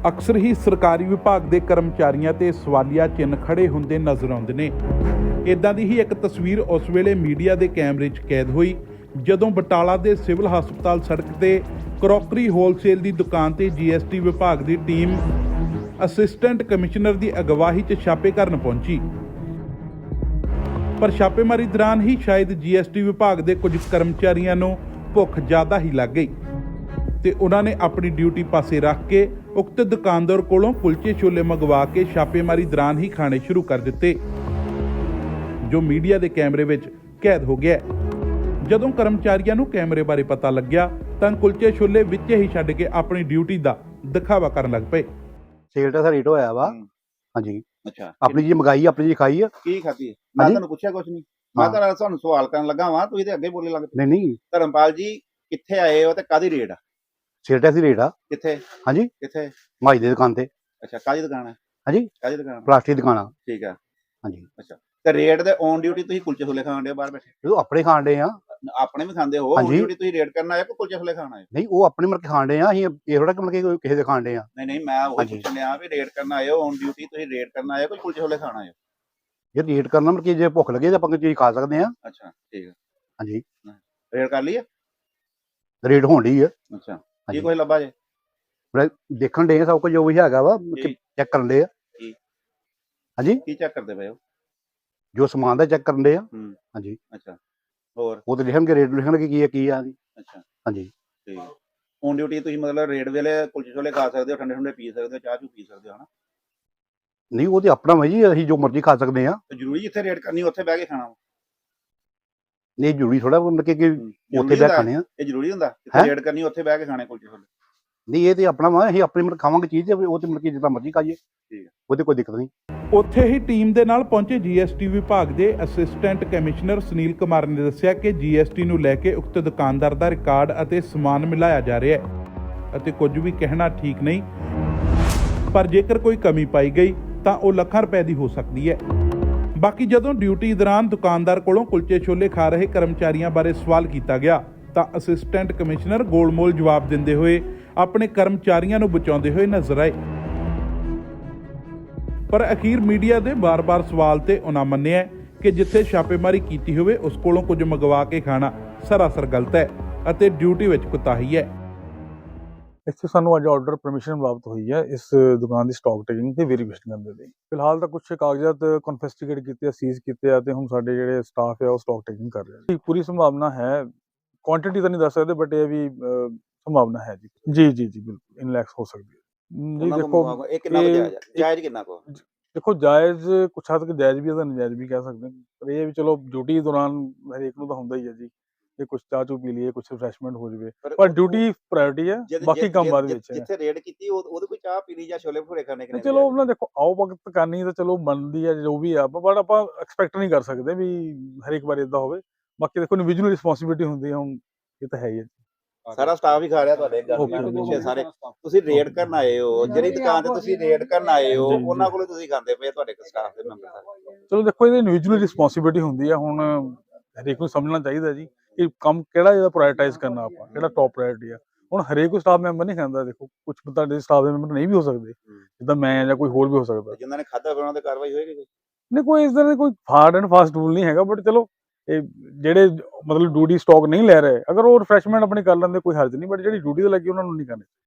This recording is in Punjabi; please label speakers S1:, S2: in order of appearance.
S1: ਅਕਸਰ ਹੀ ਸਰਕਾਰੀ ਵਿਭਾਗ ਦੇ ਕਰਮਚਾਰੀਆਂ ਤੇ ਸਵਾਲੀਆ ਚਿੰਨ੍ਹ ਖੜੇ ਹੁੰਦੇ ਨਜ਼ਰ ਆਉਂਦੇ ਨੇ। ਇਦਾਂ ਦੀ ਹੀ ਇੱਕ ਤਸਵੀਰ ਉਸ ਵੇਲੇ ਮੀਡੀਆ ਦੇ ਕੈਮਰੇ 'ਚ ਕੈਦ ਹੋਈ ਜਦੋਂ ਬਟਾਲਾ ਦੇ ਸਿਵਲ ਹਸਪਤਾਲ ਸੜਕ ਤੇ ਕਰੋਕਰੀ ਹੋਲਸੇਲ ਦੀ ਦੁਕਾਨ ਤੇ GST ਵਿਭਾਗ ਦੀ ਟੀਮ ਅਸਿਸਟੈਂਟ ਕਮਿਸ਼ਨਰ ਦੀ ਅਗਵਾਈ 'ਚ ਛਾਪੇ ਕਰਨ ਪਹੁੰਚੀ। ਪਰ ਛਾਪੇਮਾਰੀ ਦੌਰਾਨ ਹੀ ਸ਼ਾਇਦ GST ਵਿਭਾਗ ਦੇ ਕੁਝ ਕਰਮਚਾਰੀਆਂ ਨੂੰ ਭੁੱਖ ਜ਼ਿਆਦਾ ਹੀ ਲੱਗ ਗਈ ਤੇ ਉਹਨਾਂ ਨੇ ਆਪਣੀ ਡਿਊਟੀ ਪਾਸੇ ਰੱਖ ਕੇ ਉਕਤ ਦੁਕਾਨਦਾਰ ਕੋਲੋਂ ਕੁਲਚੇ ਛੋਲੇ ਮੰਗਵਾ ਕੇ ਛਾਪੇਮਾਰੀ ਦੌਰਾਨ ਹੀ ਖਾਣੇ ਸ਼ੁਰੂ ਕਰ ਦਿੱਤੇ, ਜੋ ਮੀਡੀਆ ਦੇ ਕੈਮਰੇ ਵਿੱਚ ਕੈਦ ਹੋ ਗਿਆ। ਜਦੋਂ ਕਰਮਚਾਰੀਆਂ ਨੂੰ ਕੈਮਰੇ ਬਾਰੇ ਪਤਾ ਲੱਗਿਆ ਤਾਂ ਕੁਲਚੇ ਛੋਲੇ ਵਿੱਚ ਹੀ ਛੱਡ ਕੇ ਆਪਣੀ ਡਿਊਟੀ ਦਾ ਦਿਖਾਵਾ ਕਰਨ ਲੱਗ ਪਏ।
S2: ਸੇਲ ਦਾ ਰੇਟ ਹੋਇਆ ਵਾ। ਹਾਂਜੀ,
S3: ਅੱਛਾ,
S2: ਆਪਣੀ ਜੀ ਮੰਗਾਈ, ਆਪਣੀ ਜੀ ਖਾਈ ਆ।
S3: ਕੀ ਖਾਧੀ? ਮੈਂ ਤੁਹਾਨੂੰ ਪੁੱਛਿਆ ਕੁਛ ਨਹੀਂ, ਮੈਂ ਤਾਂ ਤੁਹਾਨੂੰ ਸਵਾਲ ਕਰਨ ਲੱਗਾ ਵਾਂ, ਤੁਸੀਂ ਤੇ ਅੱਗੇ ਬੋਲੇ ਲੱਗ ਪਏ।
S2: ਨਹੀਂ
S3: ਧਰਮਪਾਲ ਜੀ ਕਿੱਥੇ ਆਏ ਹੋ ਤੇ ਕਾਦੀ ਰੇਟ ਆ?
S2: ਸੇਲ ਦਾ ਰੇਟ ਆ।
S3: ਕਿੱਥੇ?
S2: ਹਾਂਜੀ,
S3: ਕਿੱਥੇ?
S2: ਮਾਈ ਦੀ ਦੁਕਾਨ ਤੇ।
S3: ਅੱਛਾ, ਕਾਦੀ ਦੁਕਾਨ ਹੈ?
S2: ਹਾਂਜੀ,
S3: ਕਾਦੀ ਦੁਕਾਨ?
S2: ਪਲਾਸਟਿਕ ਦੁਕਾਨ ਆ।
S3: ਠੀਕ ਆ।
S2: ਹਾਂਜੀ,
S3: ਅੱਛਾ, ਤੇ ਰੇਟ ਦੇ ਔਨ ਡਿਊਟੀ ਤੁਸੀਂ ਕੁਲਚੇ ਛੋਲੇ ਖਾਣ ਦੇ ਬਾਹਰ ਬੈਠੇ?
S2: ਉਹ ਆਪਣੇ ਖਾਣ ਡੇ ਆ।
S3: ਆਪਣੇ ਵੀ ਖਾਂਦੇ ਹੋ? ਔਨ ਡਿਊਟੀ ਤੁਸੀਂ ਰੇਟ ਕਰਨ ਆਏ ਕੋ ਕੁਲਚੇ ਛੋਲੇ ਖਾਣ ਆਏ?
S2: ਨਹੀਂ, ਉਹ ਆਪਣੇ ਮਤਲਬ ਖਾਣ ਡੇ ਆ। ਅਸੀਂ ਇਹ ਥੋੜਾ ਕਿ ਮਤਲਬ ਕਿਸੇ ਦੇ ਖਾਣ ਡੇ ਆ।
S3: ਨਹੀਂ, ਮੈਂ ਉਹ ਪੁੱਛਣ ਲਿਆ ਵੀ ਰੇਟ ਕਰਨ ਆਏ ਹੋ, ਔਨ ਡਿਊਟੀ ਤੁਸੀਂ ਰੇਟ ਕਰਨ ਆਏ ਕੋ ਕੁਲਚੇ ਛੋਲੇ ਖਾਣ ਆਏ ਹੋ?
S2: ਜੇ ਰੇਟ ਕਰਨਾ ਮਤਲਬ ਕਿ ਜੇ ਭੁੱਖ ਲੱਗੇ ਤਾਂ ਆਪਾਂ ਕੋਈ ਚੀਜ਼ ਖਾ ਸਕਦੇ ਆ।
S3: ਅੱਛਾ, ਠੀਕ ਆ।
S2: ਹਾਂਜੀ,
S3: ਰੇਟ ਕਰ ਲਈ ਆ?
S2: ਰੇਟ ਹੋਣ ਡਈ ਆ।
S3: ਅੱਛਾ, ਕੀ ਕੁਝ ਲੱਭਾ ਜੇ?
S2: ਦੇਖਣ ਡੇ ਆ ਸਭ ਕੁਝ ਜੋ ਵੀ ਹੈਗਾ ਵਾ, ਚੈੱਕ ਕਰਨ ਡੇ ਆ। ਹਾਂਜੀ,
S3: ਕੀ ਚੈੱਕ ਕਰਦੇ ਪਏ ਹੋ?
S2: ਜੋ ਸਮਾਨ ਦਾ ਚੈੱਕ ਕਰਨ ਡੇ ਆ। ਹਾਂਜੀ,
S3: ਅੱਛਾ, ਹੋਰ?
S2: ਉਹ ਤੇ ਲਿਖਣਗੇ, ਰੇਟ ਲਿਖਣਗੇ ਕੀ ਆ।
S3: ਅੱਛਾ,
S2: ਹਾਂਜੀ,
S3: ਠੀਕ। ਔਨ ਡਿਊਟੀ ਤੁਸੀਂ ਮਤਲਬ ਰੇਟ ਵੇਲੇ ਕੁਲਚੇ ਛੋਲੇ ਖਾ ਸਕਦੇ ਹੋ, ਠੰਡੇ ਠੰਡੇ ਪੀ ਸਕਦੇ ਹੋ, ਚਾਹ ਚੂ ਪੀ ਸਕਦੇ ਹੋ, ਹਨਾ?
S2: ਨਹੀਂ ਉਹ ਤੇ ਆਪਣਾ ਵਾ ਜੀ, ਅਸੀਂ ਜੋ ਮਰਜ਼ੀ ਖਾ ਸਕਦੇ ਆ।
S3: ਤੇ ਜ਼ਰੂਰੀ ਜਿੱਥੇ ਰੇਟ ਕਰਨੀ ਉੱਥੇ ਬਹਿ ਕੇ ਖਾਣਾ ਵਾ?
S2: ਨਹੀਂ ਜ਼ਰੂਰੀ ਥੋੜਾ ਮਤਲਬ ਕਿ ਉੱਥੇ ਬਹਿ ਖਾਣੇ ਆ।
S3: ਇਹ ਜ਼ਰੂਰੀ ਹੁੰਦਾ ਜਿੱਥੇ ਰੇਟ ਕਰਨੀ ਉੱਥੇ ਬਹਿ ਕੇ ਖਾਣੇ ਕੁਲਚੇ ਛੋਲੇ?
S2: ਨਹੀਂ, ਇਹ ਤੇ ਆਪਣਾ ਵਾ, ਅਸੀਂ ਆਪਣੀ ਮਤਲਬ ਖਾਵਾਂਗੇ ਚੀਜ਼ ਤੇ ਉਹ ਤੇ ਮਤਲਬ ਕਿ ਜਿੱਦਾਂ ਮਰਜ਼ੀ ਖਾਈਏ।
S3: ਠੀਕ ਹੈ,
S2: ਉਹਦੇ ਕੋਈ ਦਿੱਕਤ ਨਹੀਂ।
S1: ਉੱਥੇ ਹੀ ਟੀਮ ਦੇ ਨਾਲ ਪਹੁੰਚੇ GST ਵਿਭਾਗ ਦੇ ਅਸਿਸਟੈਂਟ ਕਮਿਸ਼ਨਰ ਸੁਨੀਲ ਕੁਮਾਰ ਨੇ ਦੱਸਿਆ ਕਿ GST ਨੂੰ ਲੈ ਕੇ ਉਕਤ ਦੁਕਾਨਦਾਰ ਦਾ ਰਿਕਾਰਡ ਅਤੇ ਸਮਾਨ ਮਿਲਾਇਆ ਜਾ ਰਿਹਾ ਹੈ ਅਤੇ ਕੁਝ ਵੀ ਕਹਿਣਾ ਠੀਕ ਨਹੀਂ, ਪਰ ਜੇਕਰ ਕੋਈ ਕਮੀ ਪਾਈ ਗਈ ਤਾਂ ਉਹ ਲੱਖਾਂ ਰੁਪਏ ਦੀ ਹੋ ਸਕਦੀ ਹੈ। ਬਾਕੀ ਜਦੋਂ ਡਿਊਟੀ ਦੌਰਾਨ ਦੁਕਾਨਦਾਰ ਕੋਲੋਂ ਕੁਲਚੇ ਛੋਲੇ ਖਾ ਰਹੇ ਕਰਮਚਾਰੀਆਂ ਬਾਰੇ ਸਵਾਲ ਕੀਤਾ ਗਿਆ ਤਾਂ ਅਸਿਸਟੈਂਟ ਕਮਿਸ਼ਨਰ ਗੋਲਮੋਲ ਜਵਾਬ ਦਿੰਦੇ ਹੋਏ ਆਪਣੇ ਕਰਮਚਾਰੀਆਂ ਨੂੰ ਬਚਾਉਂਦੇ ਹੋਏ ਨਜ਼ਰ ਆਏ। ਪਰ ਅਖੀਰ ਮੀਡੀਆ ਦੇ ਬਾਰ-ਬਾਰ ਸਵਾਲ ਤੇ ਉਹਨਾਂ ਮੰਨਿਆ ਕਿ ਜਿੱਥੇ ਛਾਪੇਮਾਰੀ ਕੀਤੀ ਹੋਵੇ ਉਸ ਕੋਲੋਂ ਕੁਝ ਮੰਗਵਾ ਕੇ ਖਾਣਾ ਸਰਾਸਰ ਗਲਤ ਹੈ ਅਤੇ ਡਿਊਟੀ ਵਿੱਚ ਕੁਤਾਹੀ ਹੈ।
S4: ਇੱਥੇ ਸਾਨੂੰ ਅੱਜ ਆਰਡਰ ਪਰਮਿਸ਼ਨ ਪ੍ਰਾਪਤ ਹੋਈ ਹੈ ਇਸ ਦੁਕਾਨ ਦੀ ਸਟਾਕ ਟੇਕਿੰਗ ਤੇ ਵੈਰੀਫਿਕੇਸ਼ਨ ਕਰਨ ਦੇ ਲਈ। ਫਿਲਹਾਲ ਤਾਂ ਕੁਝ ਕਾਗਜ਼ਾਤ ਕਨਫਿਸਕੇਟ ਕੀਤੇ ਆ, ਸੀਜ਼ ਕੀਤੇ ਆ ਤੇ ਹੁਣ ਸਾਡੇ ਜਿਹੜੇ ਸਟਾਫ ਹੈ ਉਹ ਸਟਾਕ ਟੇਕਿੰਗ ਕਰ ਰਿਹਾ। ਪੂਰੀ ਸੰਭਾਵਨਾ ਹੈ, ਕੁਆਂਟੀਟੀ ਤਾਂ ਨਹੀਂ ਦੱਸ ਸਕਦੇ ਬਟ ਇਹ ਵੀ ਸੰਭਾਵਨਾ ਹੈ ਜੀ ਬਿਲਕੁਲ ਇਨ ਲੈਕਸ ਹੋ ਸਕਦੀ ਹੈ ਜੀ। ਦੇਖੋ
S3: ਇਹ ਕਿੰਨਾ ਜਾਇਜ਼ ਹੈ? ਜਾਇਜ਼ ਕਿੰਨਾ ਕੋ?
S4: ਦੇਖੋ ਜਾਇਜ਼ ਕੁਛ ਹੱਦ ਤੱਕ ਜਾਇਜ਼ ਵੀ ਹੈ ਤਾਂ ਨਜਾਇਜ਼ ਵੀ ਕਹਿ ਸਕਦੇ ਹਾਂ, ਪਰ ਇਹ ਵੀ ਚਲੋ ਡਿਊਟੀ ਦੌਰਾਨ ਹਰੇਕ ਨੂੰ ਤਾਂ ਹੁੰਦਾ ਹੀ ਹੈ ਜੀ, ਇਹ ਕੁਛ ਚਾਹ ਚੂ ਪੀ ਲਈਏ, ਕੁਛ ਰਿਫਰੈਸ਼ਮੈਂਟ ਹੋ ਜਾਵੇ, ਪਰ ਡਿਊਟੀ ਪ੍ਰਾਇੋਰਟੀ ਹੈ, ਬਾਕੀ ਕੰਮ ਬਾਅਦ ਵਿੱਚ ਹੈ।
S3: ਜਿੱਥੇ ਰੇਡ ਕੀਤੀ ਉਹਦੇ ਕੋਈ ਚਾਹ ਪੀਣੀ ਜਾਂ ਛੋਲੇ ਭਟੂਰੇ ਖਾਣੇ ਕਿਨੇ?
S4: ਚਲੋ ਉਹਨਾਂ ਦੇਖੋ ਆਓ ਵਕਤ ਕਰਨੀ ਤਾਂ ਚਲੋ ਬਣਦੀ ਹੈ ਜੋ ਵੀ ਆ, ਬਟ ਆਪਾਂ ਐਕਸਪੈਕਟ ਨਹੀਂ ਕਰ ਸਕਦੇ ਵੀ ਹਰੇਕ ਵਾਰ ਇਦਾਂ ਹੋਵੇ। ਬਾਕੀ ਦੇਖੋ ਇੰਡੀਵਿਜੂਅਲ ਰਿਸਪੌਂਸਿਬਿਲਿਟੀ ਹੁੰਦੀ ਹੈ, ਹੁਣ ਇਹ ਤਾਂ ਹੈ ਹੀ ਹੈ।
S3: ਸਾਰਾ ਸਟਾਫ ਹੀ ਖਾ ਰਿਹਾ ਤੁਹਾਡੇ ਪਿੱਛੇ ਸਾਰੇ? ਤੁਸੀਂ ਰੇਡ ਕਰਨ ਆਏ ਹੋ, ਜਿਹੜੀ ਦੁਕਾਨ ਤੇ ਤੁਸੀਂ ਰੇਡ ਕਰਨ ਆਏ ਹੋ ਉਹਨਾਂ ਕੋਲੋਂ ਤੁਸੀਂ ਖਾਂਦੇ ਪਏ ਤੁਹਾਡੇ ਸਟਾਫ ਦੇ ਮੈਂਬਰ?
S4: ਚਲੋ ਦੇਖੋ ਇਹਦੀ ਇੰਡੀਵਿਜੂਅਲ ਰਿਸਪੌਂਸਿਬਿਲਿਟੀ ਹੁੰਦੀ ਹੈ, ਹੁਣ ਹਰੇਕ ਨੂੰ ਸਮਝਣਾ ਚਾਹੀਦਾ ਜੀ ਕਿ ਕੰਮ ਕਿਹੜਾ ਇਹਦਾ ਪ੍ਰਾਇੋਰਟਾਈਜ਼ ਕਰਨਾ, ਆਪਾਂ ਕਿਹੜਾ ਟੌਪ ਪ੍ਰਾਇੋਰਟੀ ਆ। ਹੁਣ ਹਰੇਕ ਸਟਾਫ ਮੈਂਬਰ ਨਹੀਂ ਖਾਂਦਾ, ਦੇਖੋ ਕੁਝ ਤੁਹਾਡੇ ਸਟਾਫ ਦੇ ਮੈਂਬਰ ਨਹੀਂ ਵੀ ਹੋ ਸਕਦੇ, ਜਿੱਦਾਂ ਮੈਂ ਜਾਂ ਕੋਈ ਹੋਰ ਵੀ ਹੋ ਸਕਦਾ।
S3: ਜਿਨ੍ਹਾਂ ਨੇ ਖਾਧਾ ਉਹਨਾਂ ਤੇ ਕਾਰਵਾਈ ਹੋਏਗੀ?
S4: ਨਹੀਂ, ਕੋਈ ਇਸ ਤਰ੍ਹਾਂ ਦਾ ਕੋਈ ਹਾਰਡ ਐਂਡ ਫਾਸਟ ਰੂਲ ਨਹੀਂ ਹੈਗਾ, ਬਟ ਚਲੋ ਇਹ ਜਿਹੜੇ ਮਤਲਬ ਡਿਊਟੀ ਸਟਾਕ ਨਹੀਂ ਲੈ ਰਹੇ, ਅਗਰ ਉਹ ਰਿਫਰੈਸ਼ਮੈਂਟ ਆਪਣੀ ਕਰ ਲੈਂਦੇ ਕੋਈ ਹਰਜ ਨਹੀਂ, ਬਟ ਜਿਹੜੀ ਡਿਊਟੀ ਤੇ ਲੱਗੀ ਉਹਨਾਂ ਨੂੰ ਨਹੀਂ ਕਰਨੀ।